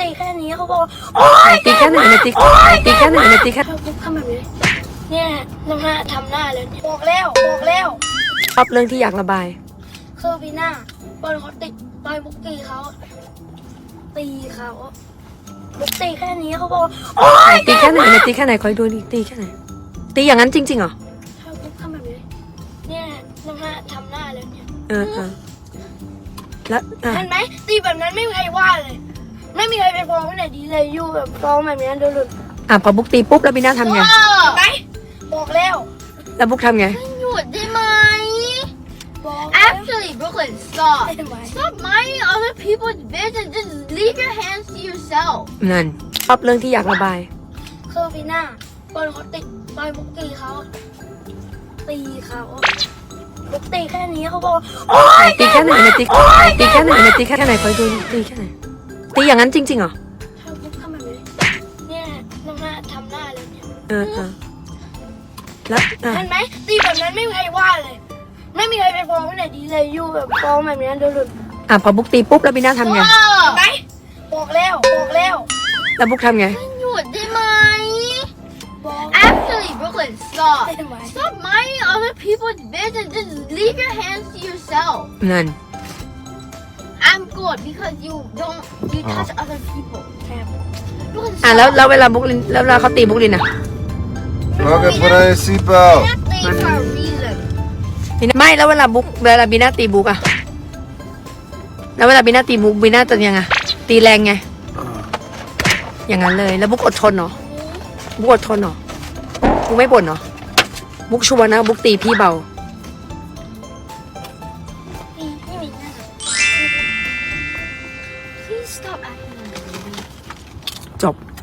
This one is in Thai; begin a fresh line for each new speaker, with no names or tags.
ตีแค่นี้เขาบอกโอ๊ย
ตีแค่ไหนเนี่ยตีแค่ไหนเนี่ยตีแค่
บุ๊กทำแบบนี้เนี่ยทำหน้าเลยบอกแล้ว
ชอบเรื่องที่อยากระบาย
คือปีหน้าบอลเขาติดบอยบุ๊กตีเขาบุ๊กตีแค่นี้เขาบอกโอ๊ย
ตีแค่ไหนเนี่ยตีแค่ไหนคอยดูดิตีแค่ไหนตีอย่างนั้นจริงๆเหรอ
ถ้าบุ๊กทำแบบนี้เนี่ยทำหน้าเลยเนี่ย
แล้ว
เห็นไหมตีแบบนั้นไม่มีใครว่าเลย ไม่มีใครไปฟ้องที่ไหนดีเลยอยู่แบบฟ้องแบบนี้โดนหลุด
พอบุ๊กตีปุ๊บแล้วบีน่าทำไง
เห็นไหมบอกแล้ว
แล้วบุ๊กทำไง
หยุดได้ไหม
บอก
Actually Brooklyn stop
เห็นไหม
stop minding other people's business just leave your hands to yourself
นั่นชอบเรื่องที่อยากระบาย
คือปีหน้าบอลเขาติดบอยบุ๊กตีเขาบุ๊กตีแค่นี้เขาบอกโอ๊ย
ตีแค่ไหนเนี่ยตีแค่ไหนเนี่ยตีแค่ไหนคอยดูดิตีแค่ไหนตีอย่างนั้นจริงๆเหรอ
ถ้าบุ๊กทำแบบนี้เนี่ยทำหน้าเลยเนี่ย
แล้ว
เห็นไหมตีแบบนั้นไม่มีใครว่าเลย ไม่มีใครไปฟ้องที่ไหนดีเลยอยู่แบบฟ้องแบบนี้โดนหลุด
พอบุ๊กตีปุ๊บแล้วบีน่าทำไง
เห็นไหมบอกแล้ว
แล้วบุ๊กทำไง
หยุดได้ไหม
บอก
Actually Brooklyn stop
เห็นไหม
stop minding other people's business just leave your hands to yourself
นั่น
I'm good because you touch other people
แอบ
Brooklyn
แล้วเวลาบุ๊กลินแล้วเวลาเขาตีบุ๊กลินอ่ะ
Okay, put on your seatbelt.
That thing for a reason
ไม่แล้วเวลาบีน่าตีบุ๊กอะแล้วเวลาบีน่าตีบุ๊กบีน่าจะยังไงตีแรงไงอย่างนั้นเลยแล้วบุ๊กอดทนเหรอบุ๊กอดทนเหรอบุ๊กไม่บ่นเหรอบุ๊กชัวร์นะบุ๊กตีพี่เบา
นี่มีหน้า
Please stop acting like a baby
จบ